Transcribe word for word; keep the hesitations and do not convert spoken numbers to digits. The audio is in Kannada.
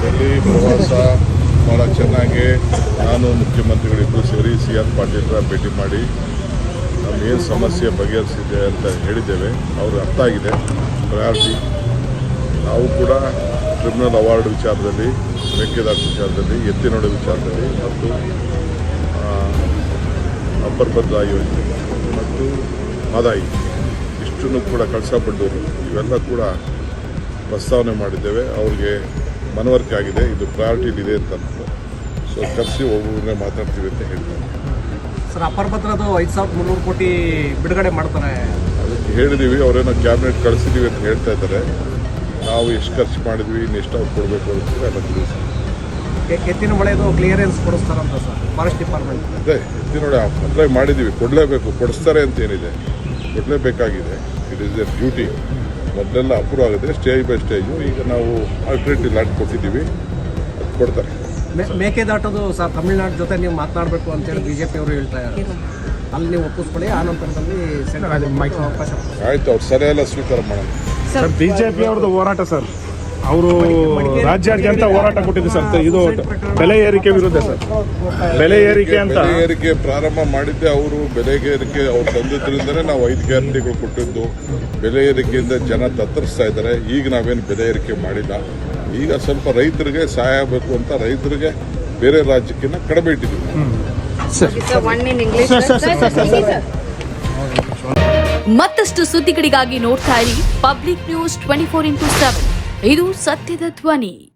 ಡೆಲ್ಲಿ ಪ್ರವಾಸ ಭಾಳ ಚೆನ್ನಾಗಿ ನಾನು ಮುಖ್ಯಮಂತ್ರಿಗಳಿಬ್ಬರು ಸೇರಿ ಸಿ ಆರ್ ಪಾಟೀಲ್ರ ಭೇಟಿ ಮಾಡಿ ನಮಗೇನು ಸಮಸ್ಯೆ ಬಗೆಹರಿಸಿದೆ ಅಂತ ಹೇಳಿದ್ದೇವೆ. ಅವ್ರಿಗೆ ಅರ್ಥ ಆಗಿದೆ ಪ್ರಯಾರಿಟಿ. ನಾವು ಕೂಡ ಟ್ರಿಬ್ಯುನಲ್ ಅವಾರ್ಡ್ ವಿಚಾರದಲ್ಲಿ, ಮೇಕೆದಾಟು ವಿಚಾರದಲ್ಲಿ, ಎತ್ತಿನೋಡು ವಿಚಾರದಲ್ಲಿ ಮತ್ತು ಅಪ್ಪರ್ ಭದ್ರಾ ಯೋಜನೆ ಮತ್ತು ಮದಾಯಿ ಇಷ್ಟನ್ನು ಕೂಡ ಕಳಸಾ-ಬಂಡೂರು ಇವೆಲ್ಲ ಕೂಡ ಪ್ರಸ್ತಾವನೆ ಮಾಡಿದ್ದೇವೆ. ಅವ್ರಿಗೆ ಮನವರಿಕೆ ಆಗಿದೆ, ಇದು ಪ್ರಯಾರಿಟಿಲಿದೆ ಅಂತ. ಸೊ ಕರೆಸಿ ಒಬ್ಬೊಬ್ಬರನ್ನೇ ಮಾತಾಡ್ತೀವಿ ಅಂತ ಹೇಳಿದ್ದಾರೆ. ಸರ್, ಅಪ್ಪರ್ ಭದ್ರದ್ದು ಐದು ಸಾವಿರದ ಮುನ್ನೂರು ಕೋಟಿ ಬಿಡುಗಡೆ ಮಾಡ್ತಾರೆ. ಅದಕ್ಕೆ ಹೇಳಿದ್ದೀವಿ, ಅವರೇನೋ ಕ್ಯಾಬಿನೆಟ್ ಕಳಿಸಿದ್ದೀವಿ ಅಂತ ಹೇಳ್ತಾ ಇದ್ದಾರೆ. ನಾವು ಎಷ್ಟು ಖರ್ಚು ಮಾಡಿದ್ವಿ, ಇನ್ನು ಎಷ್ಟು ಅವ್ರು ಕೊಡಬೇಕು ಅಂತ ಎಲ್ಲ ತಿಳಿಸಿ. ಎತ್ತಿನ ಮಳೆದು ಕ್ಲಿಯರೆನ್ಸ್ ಕೊಡಿಸ್ತಾರಂತ ಸರ್ ಫಾರೆಸ್ಟ್ ಡಿಪಾರ್ಟ್ಮೆಂಟ್. ಅದೇ ಎತ್ತಿನೋಡೆ ಅಪ್ಲೈ ಮಾಡಿದ್ದೀವಿ, ಕೊಡಲೇಬೇಕು, ಕೊಡಿಸ್ತಾರೆ ಅಂತ ಏನಿದೆ, ಕೊಡಲೇಬೇಕಾಗಿದೆ. It is a duty. ಮೊದಲೆಲ್ಲ ಅಪ್ರೂವ್ ಆಗಿದೆ ಸ್ಟೇಜ್ ಬೈ ಸ್ಟೇಜು. ಈಗ ನಾವು ಆಲ್ಟರ್ನೇಟಿವ್ ಲ್ಯಾಂಡ್ ಕೊಟ್ಟಿದ್ದೀವಿ, ಅದು ಕೊಡ್ತಾರೆ. ಮೇಕೆದಾಟೋದು ಸರ್ ತಮಿಳ್ನಾಡು ಜೊತೆ ನೀವು ಮಾತನಾಡಬೇಕು ಅಂತೇಳಿ ಬಿ ಜೆ ಪಿಯವರು ಹೇಳ್ತಾ ಇದ್ದಾರೆ. ಅಲ್ಲಿ ನೀವು ಒಪ್ಪಿಸ್ಕೊಳ್ಳಿ, ಆ ನಂತರದಲ್ಲಿ ಅವಕಾಶ. ಆಯಿತು, ಅವ್ರು ಸರಿಯೆಲ್ಲ ಸ್ವೀಕಾರ ಮಾಡೋಣ. ಸರ್, ಬಿಜೆಪಿ ಅವ್ರದ್ದು ಹೋರಾಟ ಸರ್, ಅವರು ರಾಜ್ಯಾದ್ಯಂತ ಹೋರಾಟ ಕೊಟ್ಟಿದೆ ಸರ್. ಇದು ಬೆಲೆ ಏರಿಕೆ ವಿರುದ್ಧ ಸರ್. ಬೆಲೆ ಏರಿಕೆ ಅಂತ ಬೆಲೆ ಏರಿಕೆ ಪ್ರಾರಂಭ ಮಾಡಿದ್ದೆ ಅವರು. ಬೆಲೆ ಏರಿಕೆ ಅವ್ರು ತಂದಿದ್ರಿಂದನೇ ನಾವು ಐದು ಗ್ಯಾರಂಟಿಗಳು ಕೊಟ್ಟಿದ್ದು. ಬೆಲೆ ಏರಿಕೆಯಿಂದ ಜನ ತತ್ತರಿಸ್ತಾ ಇದ್ದಾರೆ. ಈಗ ನಾವೇನು ಬೆಲೆ ಏರಿಕೆ ಮಾಡಿಲ್ಲ. ಈಗ ಸ್ವಲ್ಪ ರೈತರಿಗೆ ಸಹಾಯ ಆಗಬೇಕು ಅಂತ ರೈತರಿಗೆ ಬೇರೆ ರಾಜ್ಯಕ್ಕಿಂತ ಕಡಿಮೆ ಇಟ್ಟಿದ್ದೀವಿ. ಮತ್ತಷ್ಟು ಸುದ್ದಿಗಳಿಗಾಗಿ ನೋಡ್ತಾ ಇರಿ public news twenty four into seven. ಇದು ಸತ್ಯದ ಧ್ವನಿ.